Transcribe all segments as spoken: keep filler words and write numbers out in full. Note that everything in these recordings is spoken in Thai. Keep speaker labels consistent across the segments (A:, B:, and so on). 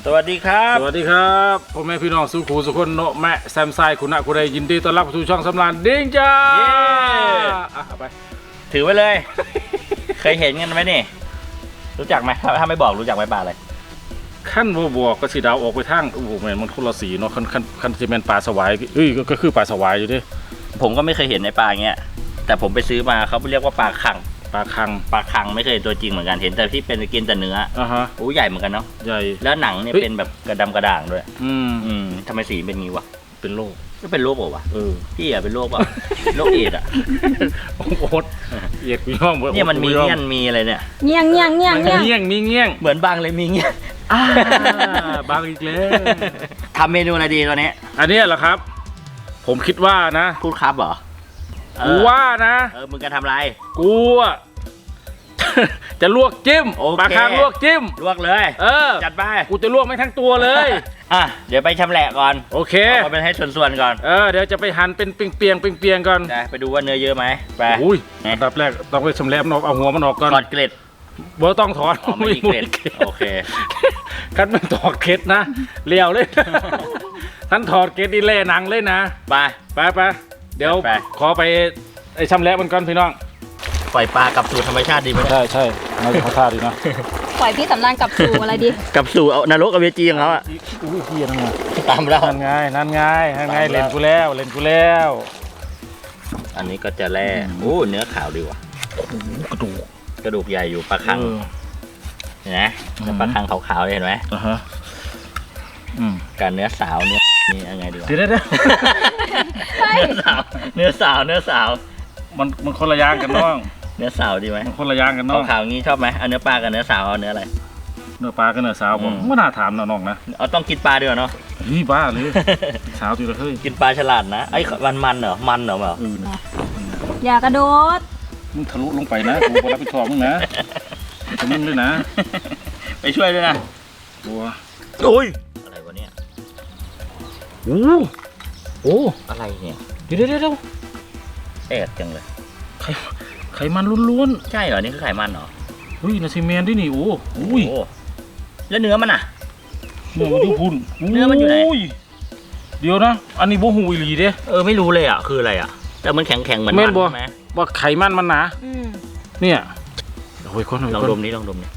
A: สวัสดีครับ
B: สวัสดีครับพ่อแม่พี่น้องสุขุสุขคนโนแม่แซมไซคุณะคุณใดยินดีต้อนรับสู่ช่องสำรานดิ้งจ้าอ่ะไป
A: ถือไว้เลย เคยเห็นกันไหมนี่รู้จักไหมถ้าไม่บอกรู้จักไหมปลาอะไร
B: ขั้นบัวบัวก็สีดาวออกไปทางโอ้โหแม่นมันคนละสีเนาะขั้นขั้นขั้นจะเป็นปลาสวายเอ้ยก็คือปลาสวายอยู่ดิ
A: ผมก็ไม่เคยเห็นในปลาเงี้ยแต่ผมไปซื้อมาเขาเรียกว่าปลาคัง
B: ปลาคัง
A: ปลาคังไม่เคยตัวจริงเหมือนกันเห็นแต่ที่เป็นกินแต่เนื้อ
B: อ่าฮะ
A: โอ้ใหญ่เหมือนกันเนาะ
B: ใหญ่
A: แล้วหนังเนี่ยเป็นแบบกระดำกระด่างด้วย
B: อืม
A: อืมทำไมสีเป็นงี้วะ
B: เป็นโรค
A: ก็เป็นโรคเปล่าวะ
B: เออ
A: พี่อะเป็นโรคเปล่าโรคเอดส์อะ
B: โอ๊ตเอดส์กูย่อง
A: เนี่ยมันมีเงี้ยมีอะไรเนี่ย
C: เงี้ยงเงี้ยงเงี้ยง
B: เงี้ยงมีเงี้ยง
A: เหมือนบางเลยมีเงี้ย
B: บางอีกแล้ว
A: ทำเมนูอะไรดีตอนนี้
B: อันนี้เหรอครับผมคิดว่านะ
A: พูดครับเหรอ
B: กูว่านะ
A: เออมึงจะทำอะไร
B: กูอะจะลวกจิ้มปลาคังลวกจิ้ม
A: ลวกเลย
B: เออ
A: จัดไป
B: กูจะลวกไม่ทั้งตัวเลย
A: อ่ะเดี๋ยวไปชำแหละก่อน
B: โอเค
A: เอาไปให้ส่วนๆก่อน
B: เออเดี๋ยวจะไปหั่นเป็นเปียงๆเปียงๆก่อน
A: ไปดูว่าเนื้อเยอะไหมไป
B: อุ้ยอันดับแรกต้องไปชำแหละมันออกเอาหัวมันออกก่อน
A: ถอดเกล็ด
B: บ่ต้องถอด
A: ไม่มีเกล็ดโอเค
B: คันมันถอดเกล็ดนะเลี้ยวเลยท่านถอดเกล็ดนี่เล่หนังเลยนะ
A: ไป
B: ไปไปเดี๋ยวขอไปไอ้ชำแหละมันก่อนพี่น้อง
A: ปล่อยปลากลับสู่ธรรมชาติดีไหม
B: ใช่ใช่น่าจะเขาท่าดีนะ
C: ปล่อยพี่สำรานกลับสู่อะไรดี
A: กลับสู่เอานรกอเวจีของเขาอ่ะ
B: อุ้ยพี่นั่นไง
A: ตามเรา
B: นั่นไงนั่นไงนั่นไงเล่นกูแล้วเล่นกูแล้ว
A: อันนี้ก็จะแล่โอ้เนื้อขาวดีว่ะ
B: กระดูก
A: กระดูกใหญ่อยู่ปลาคังเห็นไหมปลาคังขาวๆเห็นไหม
B: อ่าฮะ
A: การเนื้อสาวเนี่ยนี่ยังไงดีวะ
B: เดี๋ยวเดี๋ยว
A: เนื้อสาวเนื้อสาวเนื้อสาว
B: มันมันคนละอย่างกันน้อง
A: เนื้อสาวดีไหม
B: มันคนละอย่างกันน้อง
A: ขาวงี้ชอบไหมเอาเนื้อปลากับเนื้อสาวเอาเนื้ออะไร
B: เนื้อปลากับเนื้อสาวผมไม่น่าถามน้องนะ
A: เอาต้องกินปลาด้วยเนาะ
B: นี่บ้าเลยสาวตัวละเฮ้ย
A: กินปลาฉลาดนะไอ้มันมันเหรอมันเหรอเปล่า
C: อย่ากระโดด
B: มึงทะลุลงไปนะกูรับผิดชอบมึงนะทำมึงด้วยนะ
A: ไปช่วยด้วยนะ
B: บัว
A: โอ้ยอะไรวะเนี่ย
B: โอ้โอ้
A: อะไรเนี่ย
B: เดี๋ยวเดี๋ยว
A: เอ็ดจังเลย
B: ไข่ไขมันล้วน
A: ๆใช่เหรอนี่คือไขมันเหรอ
B: เฮ้ยนาซีเมนด้วยนี่โอ้อุ้ย
A: แล้วเนื้อมันอ่ะ
B: เนื้อมันอยู่พุ่น
A: เนื้อมันอยู่ไหน
B: เดี๋ยวนะอันนี้โบหูอีหลีเด้
A: เออไม่รู้เลยอ่ะคืออะไรอ่ะแต่มันแข็งแข็งเหมือนมันใช่ไหม
B: ว่าไขมันมันหนาเนี่ยโอ้ยคน
A: ลองดมนี้ลองดมนี้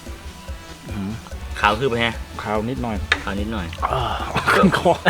A: ขาวคือไปฮะ
B: ขาวนิดหน่อย
A: ขาวนิดหน่อย
B: ขึ้นคอ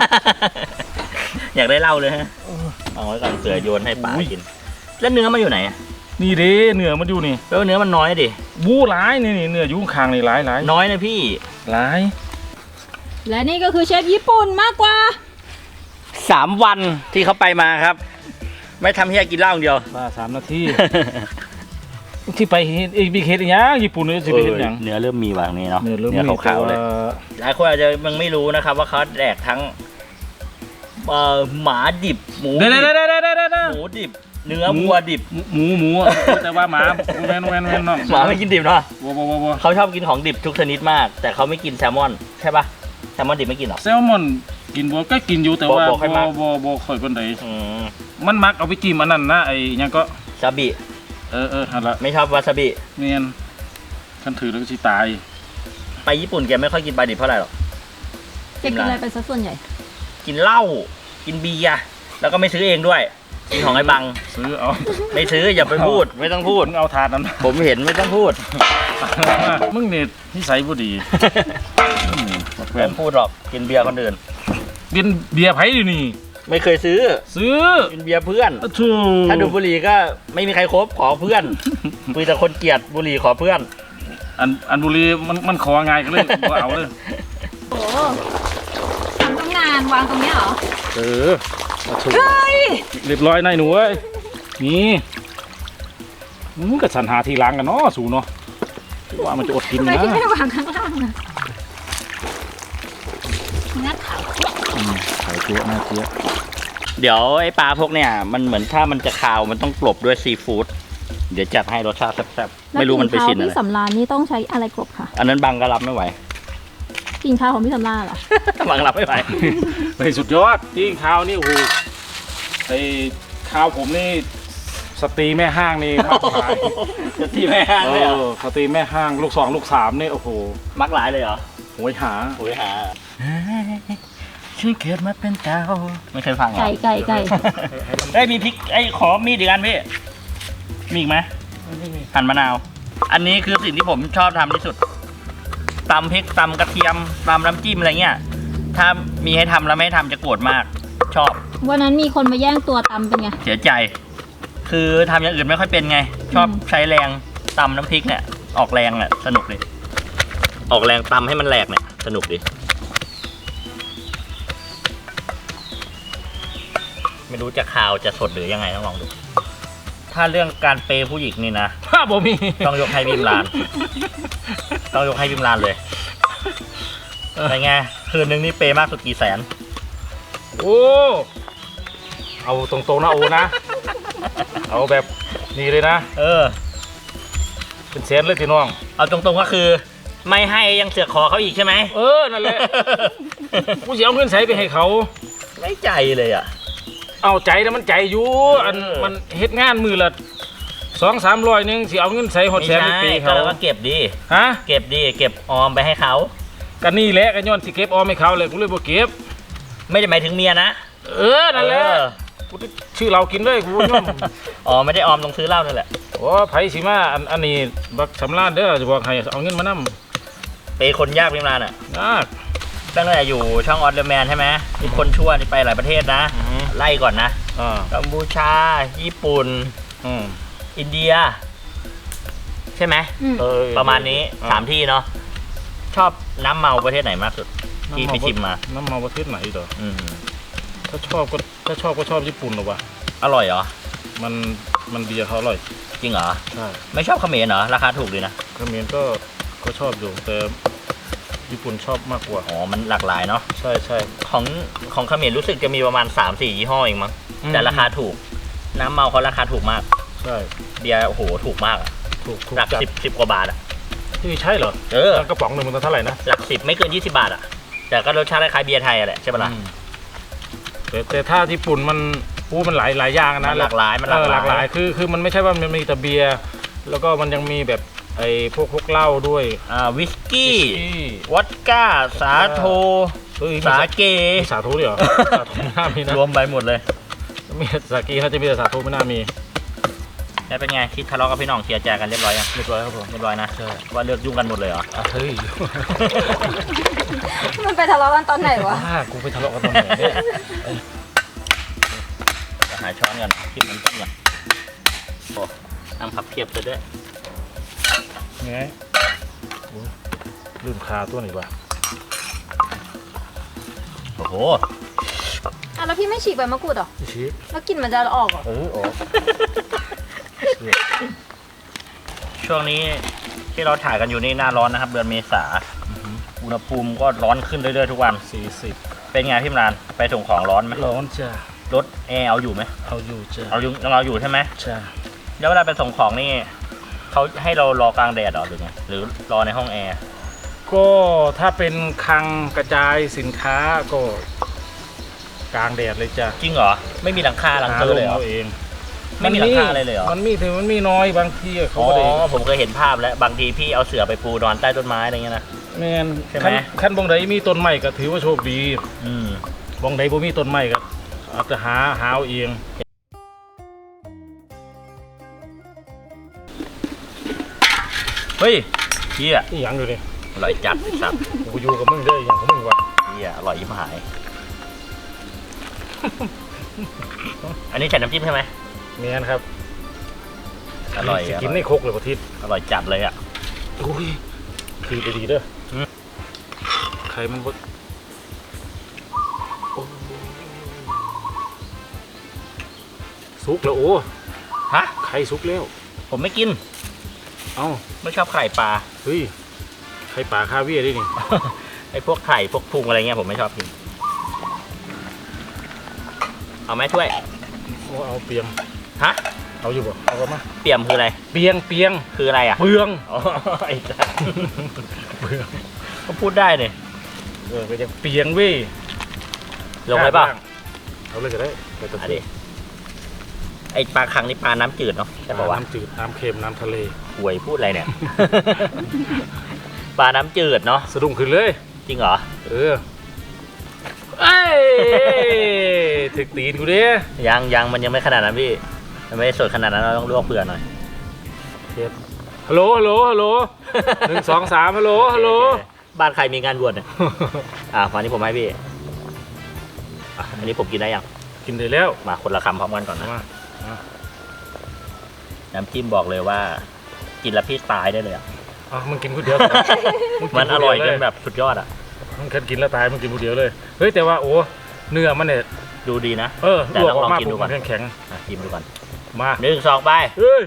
A: อยากได้เหล้าเลยฮะเอาไว้ก่อนเสือโยนให้ปลากินแล้วเนื้อมันอยู่ไหน
B: นี่ดิเนื้อมันอยู่นี่
A: แล้วเนื้อมันน้อยดิ
B: บู้ร้ายนี่นี่เนื้อยุ่งคางนี่ร้ายร้าย
A: น้อยนะพี่
B: ร้าย
C: และนี่ก็คือเชฟญี่ปุ่นมากกว่า
A: สามวันที่เขาไปมาครับไม่ทำให้กินเหล้าเดียว
B: มาสามนาทีที่ไปเอ็กบีเคสอย่างญี่ปุ่นเนี่ยสิไปเห็นอย่าง
A: เนื้อเริ่มมีวางนี้เนาะ
B: เนื้อเริ่มมี
A: ขาวๆเลยหลายคนอาจจะยังไม่รู้นะครับว่าเขาแดกทั้งหมาดิบหมูดิบหมูดิบเนื้อวัวดิบ
B: หมูหมูแต่ว่าหมาแมนแมนแมนน้อง
A: หมาไม่กินดิบเนาะ
B: วัว
A: เขาชอบกินของดิบทุกชนิดมากแต่เขาไม่กินแซลมอนใช่ปะแซลมอนดิบไม่กินหรอ
B: แซลมอนกินบัวก็กินอยู่แต่ว่าบัวบัวบัวค่อยคนใดมันมักเอาไปกินมันนั่นนะไอ้ยังก็
A: ซาบิ
B: เออเออฮัลโหล
A: ไม่ชอบวาซาบิ
B: เนียนขันถือแล้วก็ชิตาย
A: ไปญี่ปุ่นแกไม่ค่อยกินปลาดิบเท่าไหร่หรอก
C: แกกินอะไรไปซะส่วนใหญ่
A: กินเหล้ากินเบียร์แล้วก็ไม่ซื้อเองด้วยกินของไอ้บัง
B: ซื้อเอา
A: ไม่ซื้ออย่าไปพูดไม่ต้องพูด
B: เอาทานนั้น
A: ผมเห็นไม่ต้องพูด
B: มึงเนี่ยนิสัยบ่ดี
A: ไม่พูดหรอกกินเบียร์คนอื่น
B: กินเบียร์ไผ่ดินี่
A: ไม่เคยซื้อ
B: ซื้อ
A: กินเบียร์เพื่อนถ้าดูบุหรี่ก็ไม่มีใครคบขอเพื่อนมีแต่คนเกลียดบุหรี่ขอเพื่อน
B: อันอันบุหรี่มันมันขอไงก็เลยเอาเลย
C: โอ้ทำตั้งนานวางตรงนี้เหรอ
B: เออเฮ้ยเรียบร้อยนายหนูเอ้ยนี่มึงก็สัญหาทีหลังกันเนาะสูเนาะว่ามันจะอดกินนะ
C: ทำไมที่ไม่วางข้างล่างนะนัดขาว
B: ขาวเจี๊ยบน่าเจี๊ยบ
A: เดี๋ยวไอ้ปลาพวกเนี่ยมันเหมือนถ้ามันจะคาวมันต้องกลบด้วยซีฟู้ดเดี๋ยวจัดให้รสชาติแซ่บๆไม่รู้มันไปชินอะไร
C: พี่สำราญนี่ต้องใช้อะไรกลบค่ะ
A: อันนั้นบังก็รับไม่ไหว
C: กินข้าวของพี่สำราญเหรอ
A: บังรับไม่ไหว
B: ไปสุดยอดที่ข้าวนี่โอ้โหไอ้ข้าวผมนี่สตรีแม่ห้างนี่มักหลาย
A: สตรีแม่ห้างเลยเหรอ
B: สตรีแม่ห้างลูกสองลูกสามนี่โอ้โห
A: มักหลายเลยเหรอ
B: เวยหา
A: โหยหาฉันเกิดมาเป็นเต่าไม่เคยฟังเหรอ
C: ไก่ไก่ไก่
A: เอ้ยมีพริกไอ้ยขอมีดอีกอันพี่มีอีกไหมหั่นมะนาว อันนี้คือสิ่งที่ผมชอบทำที่สุดตำพริกตำกระเทียมตำน้ำจิ้มอะไรเงี้ยถ้ามีให้ทำแล้วไม่ให้ทำจะโกรธมาก ชอบ
C: วันนั้นมีคนมาแย่งตัวตำเป็นไง
A: เสียใจ คือทำอย่างอื่นไม่ค่อยเป็นไง ชอบ
C: อืม
A: ใช้แรงตำน้ำพริกเนี่ยออกแรงอ่ะสนุกดิออกแรงตำให้มันแหลกเนี่ยสนุกดิไม่รู้จะข่าวจะสดหรือยังไงต้องลองดู ถ้าเรื่องการเปย์ผู้หญิงนี่นะ
B: ถ้าบ่มี
A: ต้องยกให้บิมลาน ต้องยกให้บิมลานเลยเป็นไงคืนนึงนี่เปย์มากสุดกี่แสน
B: โอ้เอาตรงๆนะโอนะเอาแบบนี้เลยนะ
A: เออ
B: เป็นแสนเลยพี่น้อง
A: เอาตรงๆก็คือ ไม่ให้ยังเสือกขอเขาอีกใช่ไหม
B: เออนั่นแหละกูจะเอาเงินใส่ไปให้เขา
A: ไม่ใจเลยอ่ะ
B: เอาใจนะมันใจอยู่อัน
A: เออ
B: มันเฮ็ดงานมือละสองสามร้อยหนึงสิเอาเงินใส่หด
A: ไม่
B: แสน
A: ใช่
B: ในปี
A: ก็
B: เขา
A: แล้วก็เก็บดี
B: ฮะ
A: เก็บดีเก็บออมไปให้เขา
B: กันนี่แหละกันย้อนสิเก็บออมให้เขาเลยกูเลยบ่เก็บ
A: ไม่ได้หมายถึงเมียนะ
B: เออนั่นแหละ
A: เออ
B: กูชื่อเรากินเลยกูย่อม
A: อ๋อไม่ได้ออมตรงซื้อเหล้านั่นแหละ
B: โอ้ไผสิมาอันอันนี้บักสำราญเด้อจะบอกให้เอาเงินมานำ
A: เปย์คนยากพิมรานอ่ะ
B: นะ
A: ตั้งแต่อยู่ช่องออสเดอร์แมนใช่ไหมมีคนชั่วนี่ไปหลายประเทศนะ
B: อือฮึ
A: ไล่ก่อนนะ
B: อ่า
A: กัมพูชา ญี่ปุ่น
B: อืม
A: อินเดีย ใช่ไหม
C: อืม
B: เออ
A: ประมาณนี้
B: อ่
A: สามที่เนาะชอบน้ำเมาประเทศไหนมากสุด ที่ไปชิมมา
B: น้ำเมาประเทศไหนเหรอ
A: อืม
B: ถ้าชอบก็ถ้าชอบก็ชอบญี่ปุ่นหรอวะ
A: อร่อยเหรอ
B: มันมันเบียร์เขาอร่อย
A: จริงเหรอ
B: ใช่
A: ไม่ชอบเขมรเหรอ ราคาถูกดีนะ
B: เขมรก็ก็ชอบอยู่แต่ญี่ปุ่นชอบมากกว่า
A: อ๋อ มันหลากหลายเนาะ
B: ใช่ใช่
A: ของของเขมรรู้สึกจะมีประมาณ สามสี่ ยี่ห้อเองมั้ง
B: อืม
A: แต่ราคาถูก น้ำเมาเขาราคาถูกมาก
B: ใช่
A: เบียร์โอ้โห ถูกมากอะ
B: ถูกถูก
A: หลัก
B: จัด
A: สิบสิบกว่าบาทอะ
B: นี่ใช่เหรอ
A: เออ
B: กระป๋องหนึ่งมันเท่าไหร่นะ
A: หลักสิบไม่เกินยี่สิบาทอะแต่ก็รสชาติคล้ายๆเบียร์ไทยอะแหละใช่ปะล่ะ
B: อืมแต่แต่ถ้าญี่ปุ่นมันปูมันหลายหลายอย่าง
A: มั
B: นะ
A: นหลากหลายมันห
B: เอ
A: ลาก
B: อ
A: ห
B: ห
A: ลา
B: ลากหลาย ยคือคือมันไม่ใช่ว่ามันมีแต่เบียร์แล้วก็มันยังมีแบบไอ้พวกพวกเหล้าด้วย
A: อ่าวิสกี้
B: วิสกี้
A: วอดก้า สาโท
B: เฮ้ยมี
A: สาเก
B: มีสาธุด้วยเหรอ สาธุไม่น่ามีนะ
A: รวมไปหมดเลย
B: มีสากีเขาจะมีแต่สาธุไม่น่ามี
A: แล้วเป็นไงคิดทะเลาะกับพี่น้องเคลียร์ใจกันเรียบร้อยยัง
B: เรียบร้อยครับผม
A: เรียบร้อยนะ
B: ใช่
A: ว่าเลือกยุ่งกันหมดเลยเหรอ
B: อ่ะเฮ้ย
C: มันไปทะเลาะกันตอนไหนวะ
B: บ้ากูไปทะเลาะกันตอนไหนเนี่ย
A: จะหาช้อนก่อนคลิปมันต้มก่อนโอ้น้ำผักเพียบเลยด้วย
B: ไงโอ้ยลืมคาตัวไหนวะ
A: โอ้โห
C: อ่ะแล้วพี่ไม่ฉีกใบมะกรูดเหรอ
B: พี่ชี้
C: แล้วกลิ่นมันจะออกเหรอ
B: เออออก
A: ช่วงนี้ที่เราถ่ายกันอยู่นี่หน้าร้อนนะครับ เดือนเมษาอุณหภูมิก็ร้อนขึ้นเรื่อยๆทุกวัน
B: สี่สิบ
A: เป็นไงพี่มรานไปส่งของร้อนไหม
B: ร้อนจ้ะ
A: รถแอร์เอาอยู่ไหม
B: เอาอยู่จ้ะ
A: เอาอยู่ยังเอาอยู่ใช่ไหม
B: จ้ะ
A: แล้วเวลาไปส่งของนี่เขาให้เรารอกลางแดดเหรอหรือไงหรือรอในห้องแอร์
B: ก็ถ้าเป็นคลังกระจายสินค้าก็กลางแดดเลยจ้ะ
A: จริงเหรอไม่มีหลังคาหลังเตอร์เลยเหรอ
B: าเอง
A: ไม่มีหลังคาอะไรเลยเหรอ
B: มันมีแต่มันมีน้อยบางที่อะเขา
A: อ๋อ
B: ก็ได้
A: ผมเคยเห็นภาพแล้วบางทีพี่เอาเสื่อไปปูนอนใต้ต้นไม้อะไรเงี้ยนะ
B: แมน
A: ใช่ไหม
B: ขั้นขั้นบงใดมีต้นไม้ก็ถือว่าโชคดี
A: อืม
B: บงใดบ่มีต้นไม้ก็อาจจะหาหาเอาเอง
A: เฮ้ยเฮีย
B: นี่หยังอยู่นี่
A: อร่อยจัดไอ้สัตว์
B: กูอยู่กับมึงเด้ออย่างของมึงวะ
A: เฮียอร่อยยิ่งหาย อันนี้ใส่น้ำจิ้มใช่ไหม
B: แมนครับ
A: อร่อย
B: สิ
A: อ
B: กิน
A: ร่อย
B: ในครกเลยประทิศ
A: อร่อยจัดเลยอ่ะ
B: อุ้ยคือไปดีเด้อ
A: อืม
B: ใครมันบ่โอ้สุกแล้วโอ้
A: ฮะ
B: ไข่สุกแล้ว
A: ผมไม่กิน
B: เอ้า
A: ไม่ชอบไข่ปลา
B: เฮ้ยไข่ป่าคาเวียร์ดินี่
A: ไอ้พวกไข่พวกพุงอะไรเงี้ยผมไม่ชอบกิน เอาไหมช่วย
B: โอ้เอาเปียง
A: ฮะ
B: เอาอยู่บ่เอามา
A: เปี่ยมคืออะไร
B: เปียงเปียง
A: คืออะไรอ่ะ
B: เปือง
A: อ๋อไอ้สัส
B: เปือง
A: ก็พูดได้เนี่ย
B: เออก็ยังเปียงเว้ย
A: ลงไปเปล่า
B: เอาเลยก็ได้ไปตัด
A: อันนี้ไอ้ปลาคังนี่ปลาน้ำจืดเนาะใช่ป่าวะ
B: น้ำจืดน้ำเค็มน้ำทะเล
A: หวยพูดอะไรเนี่ย ปลาน้ำจืดเนาะ
B: สะดุ้งขึ้นเลย
A: จริงเหรอ
B: เออเอ้ยถึกตีนกูดิ
A: ยังยังมันยังไม่ขนาดนั้นพี่มันไม่ได้สดขนาดนั้นเราต้องลวกเปลือกหน่อย
B: ฮัลโหลฮัลโหลฮัลโหลหนึ่งสองสามฮัลโหลฮัลโหล
A: บ้านใครมีงานบวชเนี่ย อ่าวันนี้ผมให้พี่อ่ะอันนี้ผมกินได้ยัง
B: กินได้แล้ว
A: มาคนละคำพร้อมกันก่อนนะ
B: มา
A: น้ำจิ้มบอกเลยว่า กินแล้วพี่ตายได้เลยอ่ะ
B: อ่ะมึงกินคนเดียว
A: มันอร่อยจนแบบสุดยอดอ่ะ
B: มึงแค่กินแล้วตายมึงกินคนเดียวเลยเฮ้ยแต่ว่าโอ้เนื้อมันเนี่ย
A: ดูดีนะ
B: เออ
A: แต่
B: ลวก
A: ต้อง
B: ออกมา
A: ลองกินดูก่อน
B: แข็งแข็ง
A: อ่ะชิมดูก่อน
B: ๆมา
A: หนึ่งสองไป
B: เฮ้ย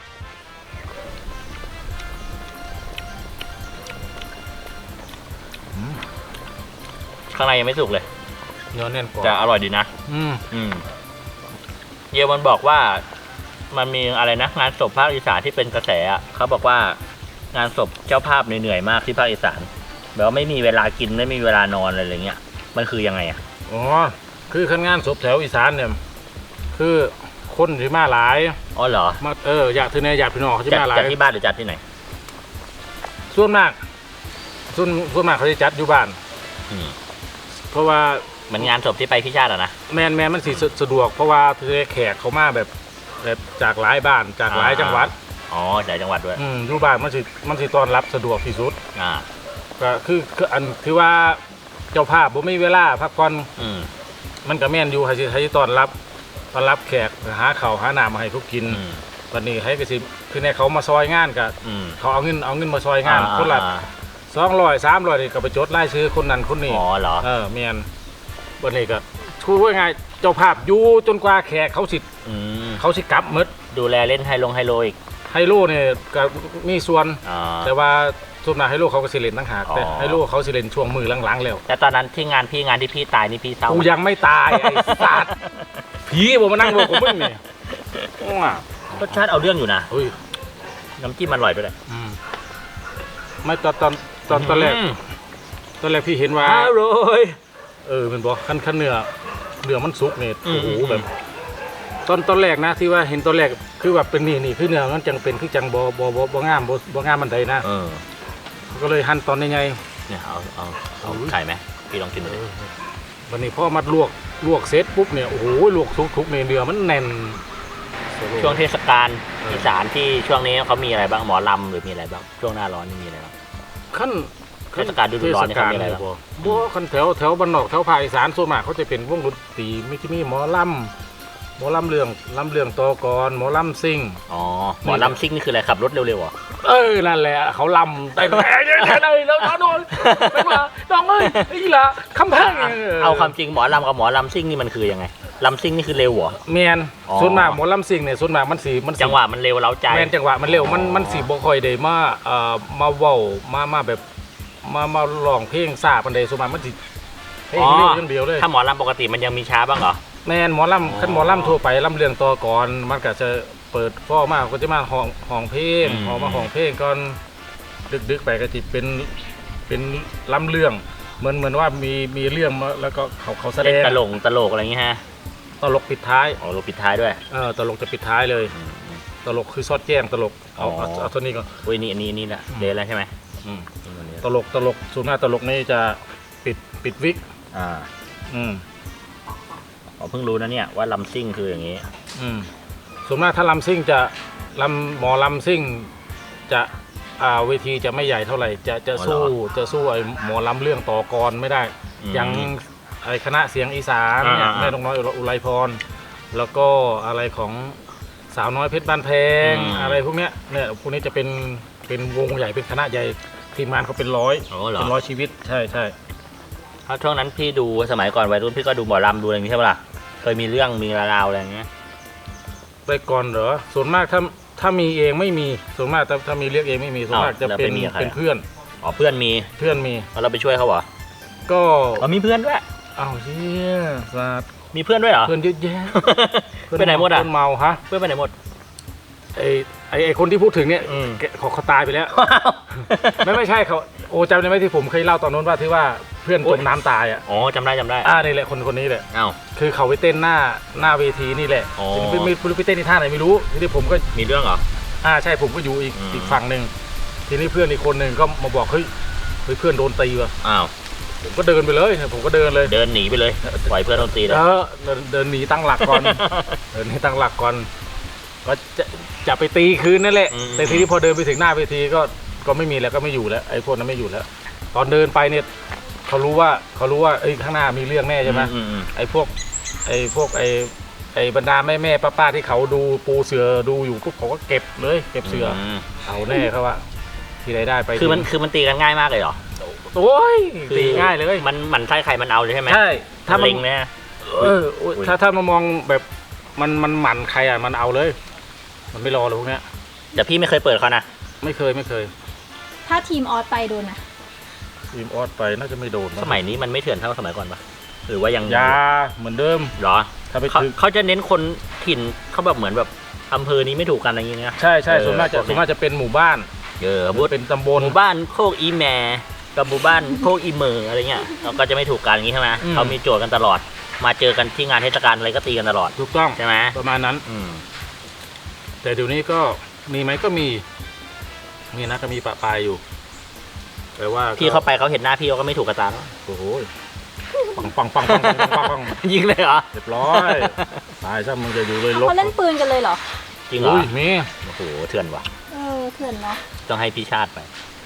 A: ข้างในยังไม่สุกเลย
B: เนื้อแน่นกว่า
A: จะอร่อยดีนะ
B: อืม
A: อืมเยมันบอกว่ามันมีอะไรนะงานศพภาคอีสานที่เป็นกระแสอ่ะเขาบอกว่างานศพเจ้าภาพเหนื่อยๆมากที่ภาคอีสานแบบว่าไม่มีเวลากินไม่มีเวลานอนอะไรอย่างเงี้ยมันคือยังไงอ่ะ
B: อ๋อคือขั้นงานศพแถวอีสานเนี่ยคือคนที่มาหลาย
A: อ๋อเหรอ
B: มาเอออยากถือเนี่ยอยากพี่น้องเขาจะ
A: จัด
B: มาหลา
A: จัด
B: ย
A: ที่บ้านหรือจัดที่ไหน
B: ส่วนมากส่วนส่วนมากเขาจะจัดอยู่บ้าน
A: อืม
B: เพราะว่า
A: เหมือนงานศพที่ไปพี่ชาติอะนะ
B: แมนแมนมันสิสะสะดวกเพราะว่าคือแขกเขามาแบบแบบจากหลายบ้านจากหลายจังหวัด
A: อ๋อหลายจังหวัดด้วย
B: อืมอยู่บ้านมันสิมันสิต้อนรับสะดวกที่สุด
A: อ่า
B: ก็คือคืออันที่ว่าเจ้าภาพบ่มีเวลาพักผ่อน
A: อืม
B: มันก็แม่นอยู่ให้สิให้ต้อนรับต้อนรับแขกหาข้าวหาน้ำมาให้พวกกิน
A: อืม
B: วันนี้ให้ก็สิคือในเขามาซอยงานก็
A: อืม
B: เขาเอาเงินเอาเงินมาซอยงาน
A: อ่า
B: คนละ
A: อ่า
B: สองร้อยสามร้อยนี่ก็ไปจดรายชื่อคนนั้นคนนี้
A: อ๋อเหรอ
B: เออแม่นวันนี้ก็ชูว่าไงเจ้าภาพอยู่จนกว่าแขกเขาสิ
A: อืม
B: เขาสิกลับหมด
A: ดูแลเล่นไฮลงไฮโลอีก
B: ไฮโลเนี่ยก็มีส่วน
A: อ๋อ
B: แต่ว่าส่วนมากไฮโลเขาก็สิเล่นต่างหาก
A: อ๋อ
B: แต่ไฮโลเขาสิเล่นช่วงมือหลังๆแล้ว
A: แล้วตอนนั้นที่งานพี่งานที่พี่ตายนี่พี่เศร้า
B: กู
A: ไหม
B: ยังไม่ตายไอ้สัตว์ผีผมมานั่งบอกผมมึงเนี่ยว้าร
A: สชาติเอาเรื่องอยู่นะ
B: เฮ้ย
A: น้ำจิ้มมันอร่อยด้วยเลย
B: อืมไม่ตอนตอนตอนตอนแรก
A: อืม
B: ตอนแรกพี่เห็นว่า
A: อร่อย
B: เออเป็นบอกขั้นขั้นเนื้อเนื้อมันสุกเนี่ย
A: อืม
B: โอ้โห
A: อืม
B: แบบตอนตอนแรกนะที่ว่าเห็นตอนแรกคือแบบเป็นนี่นี่คือเนื้อมันจังเป็นคือจังบอบอบอบงามบอบงามมันใดนะ
A: เออ
B: ก็เลยหั่นตอนยังไง
A: เนี่ยเอาเอาเอา
B: อุ้ย
A: ไข่ไหมพี่ลองกินดูดิ
B: วันนี้พ่อมาลวกลวกเสร็จปุ๊บเนี่ยโอ้โหลวกทุกทุกๆเนี่ยเนื้อมันแน่น
A: ช่วงเทศกาล
B: เอออี
A: อีสานที่ช่วงนี้เขามีอะไรบ้างหมอลำหรือมีอะไรบ้างช่วงหน้าร้อนนี่มีอะไรบ้าง
B: ขั้น
A: เทศกาลฤดูร้อนนี่เขามีอะไรบ้าง
B: บ่ขั้นแถวแถวบ้านนอกแถวภาคอีสานส่วนมากเขาจะเป็นวงดนตรีไม่ที่มีหมอลำหมอลำเรื่องลำเรื่องตอกรหมอลำซิ่ง
A: อ๋อหมอลำซิ่งนี่คืออะไรขับรถเร็วๆเหรอ
B: เออนั่นแหละเขาลำแต่แต่แต่แล้วน้องน้องไม่มาน้องเอ้ยไอ้ละคำแพง
A: เอาความจริงหมอลำกับหมอลำซิ่งนี่มันคือยังไงลำซิ่งนี่คือเร็วเหรอ
B: แมน
A: อ๋อ
B: ส่วนมากหมอลำซิ่งเนี่ยส่วนมากมันสีมันสิ
A: จังหวะมันเร็วเร้าใจ
B: แมนจังหวะมันเร็วมัน
A: อ๋อ
B: มันสีบ่ค่อยได้มาเอ่อมาเว้ามามาแบบมามาร้องเพลงซาปันใดส่วนมากมันสิเพลงเร็วอย่างเดียวเลย
A: ถ้าหมอลำปกติมันยังมีช้าบ้างเหรอ
B: แมนหมอลำขั้นหมอลำทั่วไปลำเรื่องต่อก่อนมันก็จะเปิดฟ้อมากก็จะมาห้องห้องเพลง
A: อืม
B: ห้องมาห้องเพลงก่อนดึกๆไปก็จะเป็นเป็นลำเรื่องเหมือนเหมือนว่ามีมีเรื่องมาแล้วก็เขาเขาแสด
A: เล่น
B: ง
A: ตลกตลกอะไรอย่างเงี้ยฮะ
B: ตลกปิดท้าย
A: อ๋อโรปิดท้ายด้วย
B: เออตลกจะปิดท้ายเลย ตลกคือซอดแจ้งตลกเอา
A: อ๋อ
B: เอาเอาตัวนี้ก่อน
A: อุ้ยนี่อันนี้อันนี่แหละ
B: อืม
A: เดนแล้วใช่ไหม
B: อืม
A: นี่วันนี้
B: ตลกตลกส่วนมากตลกนี่จะปิดปิดวิก
A: อ่า
B: อืม
A: อ๋อเพิ่งรู้นะเนี่ยว่าลำซิ่งคืออย่างงี้
B: อืมส่วนมากถ้าลำซิ่งจะลำหมอลำซิ่งจะอ่าเวทีจะไม่ใหญ่เท่าไหร่ จะจะ
A: อ๋อ
B: สู้
A: เหรอ
B: จะสู้ไอ้หมอลำเรื่องต่อกรไม่ได้
A: อืม
B: อย่างไอ้คณะเสียงอีสานเนี่ย
A: อ่าๆ
B: แม่นกน้อยอุไรพร แล้วก็อะไรของสาวน้อยเพชรบ้านแพง
A: อืม
B: อะไรพวกเนี้ยเนี่ยพวกนี้จะเป็นเป็นวงใหญ่เป็นคณะใหญ่ทีมงานเขาเป็นร้อย
A: อ๋อเหรอ
B: เป็นร้อยชีวิตใช่ใช่
A: เพราะช่วงนั้นพี่ดูสมัยก่อนวัยรุ่นพี่ก็ดูหมอลำดูอะไรอย่างงี้ใช่ปะล่ะเคยมีเรื่องมีราวๆอะไรอย่างเงี้ย
B: ไปก่อนเหรอส่วนมากถ้าถ้ามีเองไม่มีส่วนมากถ้าถ้ามีเรียกเองไม่มีส่วนมากจะเป็นเป็นเพื่อน
A: อ๋อเพื่อนมี
B: เพื่อนมี
A: แล้วเราไปช่วยเขาเหรอ
B: ก็
A: อ๋อมีเพื่อนด้วย
B: อ้าวเชี่ยสัตว์
A: มีเพื่อนด้วยเหรอ
B: เพื่อนเยอะแยะ
A: ไปไหนหมดอ่ะ
B: เพื่อนเมาฮะ
A: เพื่อนไปไหนหมด
B: ไอไอไอคนที่พูดถึงเนี่ย
A: อืม
B: แกเขาเขาตายไปแล้ว ไม่ไม่ใช่เขาโอ้จำได้ไหมที่ผมเคยเล่าตอนนู้นว่าที่ว่าเพื่อนจมน้ำตายอ่ะ
A: อ๋อจำได้จำได้
B: อ่านี่แหละคนคนนี้แหละ
A: อ้าว
B: คือเขาไปเต้นหน้าหน้าเวทีนี่แหละ
A: อ๋อ
B: ทีนี้ไม่ไม่ไม่รู้ไปเต้นในท่าไหนไม่รู้ทีนี้ผมก็
A: มีเรื่องเหรอ
B: อ่าใช่ผมก็อยู่อีก
A: อืม
B: อีกฝั่งหนึ่งทีนี้เพื่อนอีกคนหนึ่งก็มาบอกเฮ้ยเฮ้ยเพื่อนโดนตีว่ะ
A: อ้าว
B: ผมก็เดินไปเลยผมก็เดินเลย
A: เดินหนีไปเลยปล่อยเพื่อนโดนตีเลย
B: เออเดินเดินหนีตั้งหลักก่อน เดินให้ตั้งหลักก่อนก็จะจะไปตีคืนนั่นแหละแต่ทีนี้พอเดินไปถึงหน้าเวทีก็ก็ไม่มีแล้วก็ไม่อยู่แล้วไอ้พวกนั้นไม่อยู่แล้ว ตอนเดินไปเนี่ยเขารู้ว่าเขารู้ว่าไอ้ข้างหน้ามีเรื่องแน่ใช่ไหม
A: อืม
B: ไอ้พวกไอ้พวกไอ้ไอ้บรรดาแม่แม่ป้าป้าที่เขาดูปูเสือดูอยู่ปุ๊บเขาก็เก็บเลยเก็บเสือ
A: ม
B: เอาแน่เขาว่าที่ใดได้ไป
A: คือมันคือมันตีกันง่ายมากเลยเหรอ
B: โอ้ย
A: คือ
B: ตีง่ายเลย
A: มันมันใช่ใครมันเอาเลยใช่ไหม
B: ใช่ถ้ามัน
A: เล็งเนี่ย
B: เออโอ้ยถ้าถ้ามามองแบบมันมันหมั่นใครอ่ะมันเอาเลย มันไม่รอเลยพวกเนี้ย
A: แต่พี่ไม่เคยเปิดเขานะ
B: ไม่เคยไม่เคย
C: ถ้าทีมออสไปโดนนะ
B: ทีมออสไปน่าจะไม่โดนนะ
A: สมัยนี้มันไม่เถื่อนเท่าสมัยก่อนปะหรือว่ายัง
B: ยาเหมือนเดิม
A: เหรอ
B: ถ้าไป
A: เขา
B: ถึง
A: เขาจะเน้นคนถิ่นเขาแบบเหมือนแบบอำเภอนี้ไม่ถูกกันอะไรอย่างเงี้ย
B: ใช่ใช่
A: เออ
B: ส่วนมากจะ
A: พวกนี้
B: ส่วนมากจะเป็นหมู่บ้าน
A: เออ
B: ห
A: บู
B: รือ
A: ธ
B: เป็นตำบล
A: หมู่บ้านโคกอีแมกับหมู่บ้านโคกอีเมออะไรเงี้ยเราก็จะไม่ถูกกันอย่างงี้ใช่ไหม
B: อืม
A: เขามีโจทย์กันตลอด มาเจอกันที่งานเทศกาลอะไรก็ตีกันตลอด
B: ถูกต้อง
A: ใช่ไหม
B: ประมาณนั้น
A: อืม
B: แต่เดี๋ยวนี้ก็มีไหมก็มีมีนะก็มีปะปายอยู่แต่ว่า
A: พี่เขาไปเขาเห็นหน้าพี่เขาก็ไม่ถูกกระตาแล้ว
B: โอ้โหปังปังปังปังปังปังปัง
A: ยิงเลยเหรอ
B: เรียบร้อยตายซะมึงจะอยู่เลยลบ
C: เขาเล่นปืนกันเลยเหรอ
A: จริงเหรอ
B: อุ้ยมี
A: โอ้โหเถื่อนว่ะ
C: เออเถื่อนเนาะ
A: ต้องให้พี่ชาติไป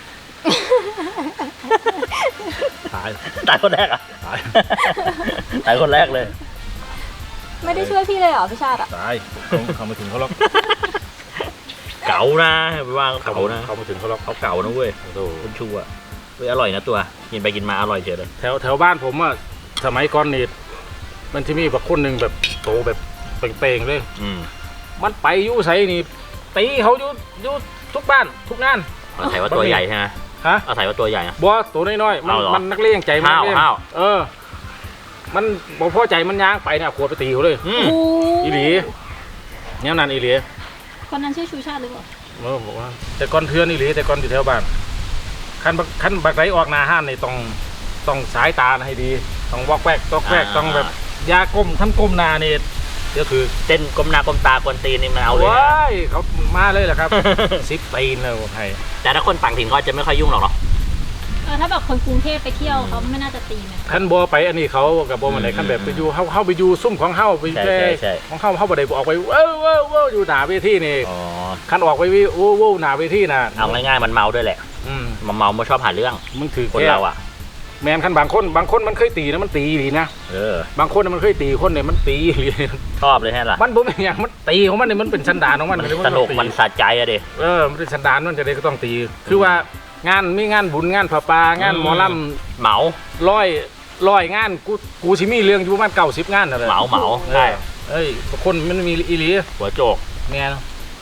B: ตาย
A: ตายคนแรกอ่ะ
B: ตาย
A: ตายคนแรกเลย
C: ไม่ได้ช่วยพี่เลยเหรอพี่ชาติอ่ะ
B: ตายเขาเขามาถึงเขาหรอก
A: เก๋านะไปว่าเขาเก๋านะ
B: เขามาถึงเขาหรอก
A: เขาเก๋านะเว้ย
B: โอ้โห
A: คุณชูอ่ะเว้ยอร่อยนะตัว กินไปกินมาอร่อยเฉยเลย
B: แถวแถวบ้านผมอะสมัยก่อนนี่มันที่มีแบบคนหนึ่งแบบโตแบบเป่งๆเลย
A: อืม
B: มันไปอยู่ไสนี่ตีเขาอยู่อยู่ทุกบ้านทุกงาน
A: เอาใส่ว่าตัวใหญ่ใช่ไหม
B: ฮะ
A: เอาใส่ว่าตัวใหญ่นะ
B: บัวตัวน้อยๆมัน
A: เอาเหรอ
B: มันนักเลงใจมัน
A: ห้าว
B: นักเลง
A: ห้าว
B: เออ มันบ่พอใจมันย่างไปเนี่ยขวดไปตีเขาเลย
A: อืม
C: โอ้
B: อีหลีเนี่ยนั่นอีหลี
C: คนนั้นชื่อชูชาติหรือเปล่า
B: เออบอกว่า แต่ก่อนเทือนอีหลีแต่ก่อนอยู่แถวบ้านคันบักคันบักไรออกหนาห้านนี่ต้องต้องสายตาให้ดี ต้องวอกแวกตอกแวกต้องแบบยาก้มท่านก้มหนานี่เดี๋ยวคือ
A: เต้นก้มหน้าก้มตากวนตีนนี่มันเอาเลยนะ
B: ว้ายเขามาเลยแหละครับ ซิปปีนเลยไทย
A: แต่ถ้าคนต่างถิ่นก็จะไม่ค่อยยุ่งหรอกเนาะ
C: เออถ้าแบบคนกรุงเทพไปเที่ยวเขาไม่น่าจะตีนะ
B: ขั้นบัวไปอันนี้เขากับบัวมันไหนขั้นแบบไปอยู่เข้าเข้าไปอยู่ซุ่มของเข้าไป
A: ใช่
B: แค่
A: ใช่ใช่
B: ของเข้าเข้าบ่ได้ออกไปเว้าวว้าวว้าวอยู่หน้าเวทีนี่
A: อ๋อ
B: ขั้นออกไปวิวว้าวว้าวหน้าเวทีน่ะ
A: เอาง่ายๆมันเมาด้วยแหละ
B: อืม
A: มันเมาไม่ชอบหาเรื่อง
B: มึงถือ
A: คน
B: แค่
A: เราอ่ะ
B: แมนขั้นบางคนบางคนมันเคยตีนะมันตีดีนะ
A: เออ
B: บางคนน่ะมันเคยตีคนเนี่ยมันตีดี
A: ชอบเลยแค่ล่ะ
B: มันบ่เป็นอย่างมันตีของมันเนี่ยมันเป็นสันดานของมัน
A: มัน
B: เลย
A: สนุกมัน
B: ตี
A: สะใจอะเด็
B: เออมันเป็นสันดานมันจะได้ก็ต้องตี คือว่างานมีงานบุญงานผาปางานหมอลำ
A: เหมา
B: ร้อยร้อยงานกูกูสิมีเรื่องอยู่ประมาณเก้าสิบงานนั่นแหละ
A: เหมาเหมา
B: ใช่
A: ใช่
B: เอ้ยคนมันมีอีหลี
A: หัวโจก
B: แม่น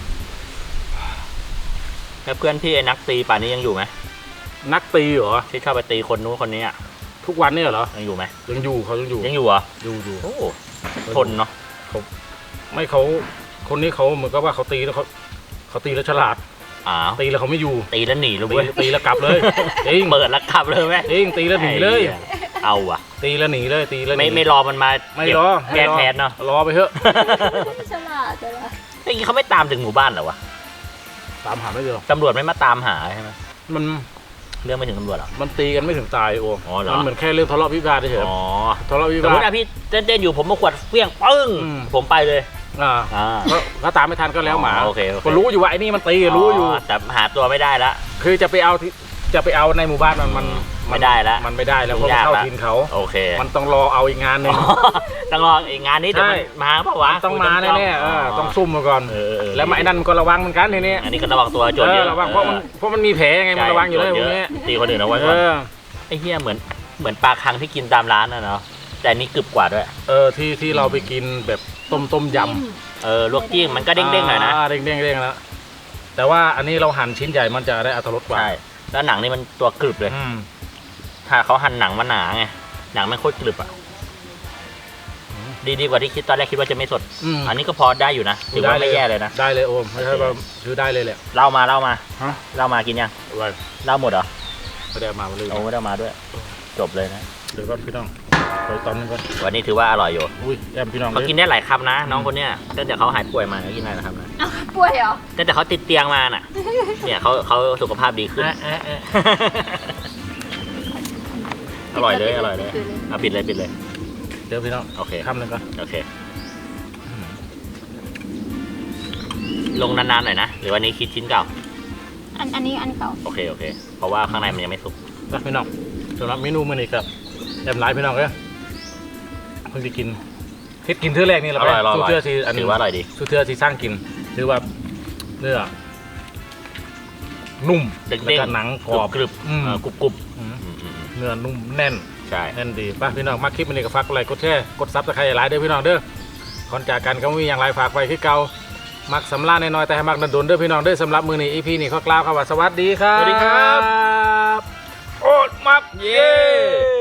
A: แล้วเพื่อนพี่ไอ้นักตีป่านนี้ยังอยู่ไหม
B: นักตีเหรอ
A: ที่ชอบไปตีคนนู้นคนนี้อ่ะ
B: ทุกวันเนี่ยเหรอ
A: ยังอยู่ไหม
B: ยังอยู่เขายังอยู่
A: ยังอยู่เหรอ
B: อยู่อยู่
A: โอ้ทนเนาะ
B: ไม่เขาคนนี้เขาเหมือนกับว่าเขาตีแล้วเขาเขาตีแล้วฉลาด
A: อ้าว
B: ตีแล้วเขาไม่อยู่
A: ตีแล้วหนีเลย
B: ตี
A: เว้ย
B: ตีแล้วกลับเลยจริง
A: เปิดแล้วขับเลยไหม
B: จริงตีแล้วหนีเลย
A: เอาอ่ะ
B: ตีแล้วหนีเลยตีแล้วหนี
A: ไม่ไม่รอมันมา
B: ไม่
A: เก็บ
B: รอ
A: แก้
B: ไม่รอ
A: แค้นเนาะ
B: รอไปเถอะ
C: ฉลาดจังเลย
A: ไอ้กี้เขาไม่ตามถึงหมู่บ้านเหรอวะ
B: ตามหาไม่เจอ
A: ตำรวจไม่มาตามหาใช่ไหม
B: มัน
A: เรื่องไม่ถึงตำรวจหรอ
B: มันตีกันไม่ถึงตายโอ้
A: อ๋อเหรอ
B: มันเหมือนแค่เรื่องทะเลาะวิวาทเฉย
A: อ๋อ
B: ๆทะเลาะวิ
A: สมม
B: วา
A: ติ
B: ท
A: อะพี่เต้นๆอยู่ผมมาขวดเฟี้ยงปึ้ง
B: อืม
A: ผมไปเลย
B: อ่า
A: อ่า
B: ก็ก็ตามไม่ทันก็แล้วหมา
A: อ๋อโอเคโอเค
B: ก็รู้อยู่ว่าไอ้นี่มันตีรู้อยู่
A: แต่หาตัวไม่ได้ละ
B: คือจะไปเอาที่จะไปเอาในหมู่บ้านมันมัน
A: ไม่ได้ละ
B: มันไม่ได้แล้วเพราะมัน
A: ยาก
B: เข้า
A: ละ
B: ทินเขา
A: โอเค
B: มันต้องรอเอาอีกงานหนึ่ง
A: อ๋อต้องรออีกงานนี้เดี๋ยว
B: ใช่
A: มันมาเปล่าวะ
B: ต้องมาแน่ๆเออต้องซุ่มมาก่อน
A: เออเออ
B: แล้วไอ้นั่นมันก็ระวังเหมือนกันทีนี้
A: อันนี้ก็ระวังตัวโจร
B: เอ
A: เย
B: อ
A: อะ
B: ระวังเพราะมันเพราะมันมีแผลไงมันระวังอยู่เลยพ
A: โจ
B: ว
A: ร
B: ก
A: เย
B: นี้
A: อะตีคนอื่นเอาไว้
B: เอ
A: ก่อน
B: อ
A: ไอ้เหี้ยเหมือนเหมือนปลาคังที่กินตามร้านน่ะเนาะแต่อันนี้กรึบกว่าด้วย
B: เออที่ที่เราไปกินแบบต้มต้มยำ
A: เออลวกจิ้มมันก็เด้งๆหน่อยนะ
B: าเด้งเด้งเด้งนะแต่ว่าอันนี้เราหั่นชิ้นใหญ่มันจะได้อรรถรสกว่า
A: ใช่แล้วหนังนี่มันตัวกรึบเลย
B: อืม
A: ถ้าเขาหั่นหนังมาหนาไงหนังไม่โคตรกรึบอ่ะดีดีกว่าที่คิดตอนแรกคิดว่าจะไม่สด
B: อืม
A: อันนี้ก็พอได้อยู่นะถือว่าไม่แย่เลยนะ
B: ได้เลยโอมไม่ใช่ว่าซื้อได้เลยแหละ
A: เล่ามาเล่ามา
B: ฮะ
A: เล่ามากินยัง
B: ไว้
A: เล่าหมดเหรอ
B: ไม่ได้เอามาเลย
A: โอ้ไม่ได้เอามาด้วย จบเลยนะ
B: เดี๋ยวก่อนพี่น้องไปตอนนึงก่อน
A: วันนี้ถือว่าอร่อยอยู่
B: อุ้ยแอมพี่น้อง
A: เขากินได้หลายคำนะ น้องคนเนี้ยตั้งแต่เขาหายป่วยมาเขากินได้หลายคำนะ
C: อ้าวป่วยเหรอ
A: ตั้งแต่เขาติดเตียงมาน่ะ เนี่ยเขาเขาสุขภาพดีขึ้น
B: เอ๊ะเอ๊ะเอ๊ะ
A: ออร่อยเลยอร่อยเลยอ่ะปิดเลยปิดเลย
B: เดี๋ยวพี่น้อง
A: โอเค
B: คำหนึ่งก่อน
A: โอเคลงนานๆหน่อยนะหรือวันนี้คิดชิ้นเก่า
C: อันอันนี้อันเก่า
A: โอเคโอเคเพราะว่าข้างในมันยังไม่สุก
B: นะพี่น้องสำหรับเมนูมื้อนี้ครับแอมไลน์พี่น้องเอ้ยเพิ่งจะกินเฮ็ดกินเทื่อแรกนี่แหละ
A: อร่อยอร่อย
B: สู้เทื่อที่อัน
A: ถือว่าอร่อยดี
B: สู้เทื่อที่สร้างกินถือว่าเนื้อนุ่ม
A: เด้งๆ
B: แล้วก็หนังกรอบ
A: กรึบ
B: อืม
A: เออกรุบกรุบ
B: อืม
A: อืมอืมอืม
B: เนื้อนุ่มแน่น
A: ใช่
B: แน่นดีป่ะพี่น้องมาคลิปนี้ก็ฝากกดไลค์กดแชร์กดซับสไครต์หลายเด้อพี่น้องเด้อก่อนจากกันก็มีอย่างไรฝากไว้คือเก่ามักสำลาญน้อยๆแต่ให้มักดันดนเด้อพี่น้องเด้อสำหรับมื้อนี้ อี พี นี้ขอกล่าวคำว่าสวัสดีครับ
A: สวัสดีครับ
B: โอดมักเย้